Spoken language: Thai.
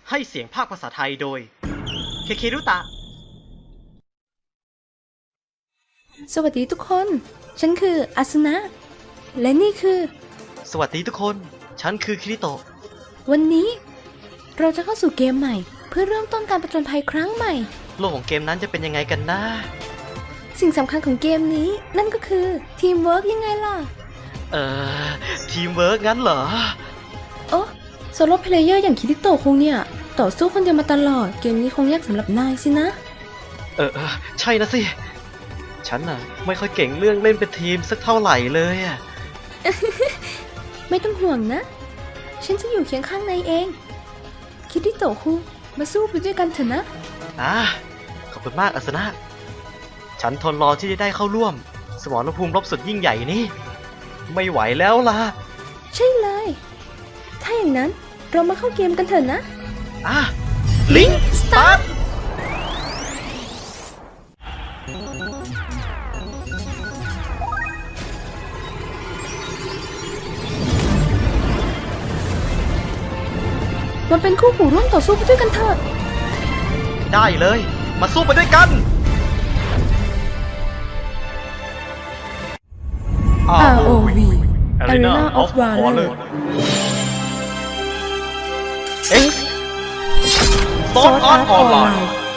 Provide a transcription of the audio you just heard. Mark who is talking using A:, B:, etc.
A: ให้เสียงภาคภาษาไทยโดยเคเครุตะ
B: สวัสดีทุกคน ฉันคืออาสนะ และนี่คือ
A: สวัสดีทุกคน ฉันคือคิริโตะ
B: วันนี้เราจะเข้าสู่เกมใหม่ เพื่อเริ่มต้นการผจญภัยครั้งใหม่
A: โลกของเกมนั้นจะเป็นยังไงกันนะ
B: สิ่งสำคัญของเกมนี้นั่นก็คือทีมเวิร์กยังไงล่ะ
A: ทีมเวิร์กงั้นเหรอ
B: โอ้โซโล่เพลเยอร์อย่างคิริโตะคงเนี่ยต่อสู้คนเดียวมาตลอด เกมนี้คงยากสำหรับนายสินะ
A: ใช่นะสิ ฉันน่ะไม่ค่อยเก่งเรื่องเล่นเป็นทีมสักเท่าไหร่เลยอะ
B: ไม่ต้องห่วงนะ ฉันจะอยู่เคียงข้างนายเอง คิริโตะคุงมาสู้ไปด้วยกันเถอะนะ
A: ขอบคุณมากอาสนะ ฉันทนรอที่จะได้เข้าร่วม สมรภูมิรบสุดยิ่งใหญ่นี่ ไม่ไหวแล้วล่ะ
B: ใช่เลย ถ้าอย่างนั้นเรามาเข้าเกมกันเถอะนะ
A: ลิงสตาร์ท
B: มันเป็นคู่หูร่วมต่อสู้ไปด้วยกันเถอะ
A: ได้เลย มาสู้ไปด้วยกัน
B: ROV Arena of Valor
A: Sword Art Online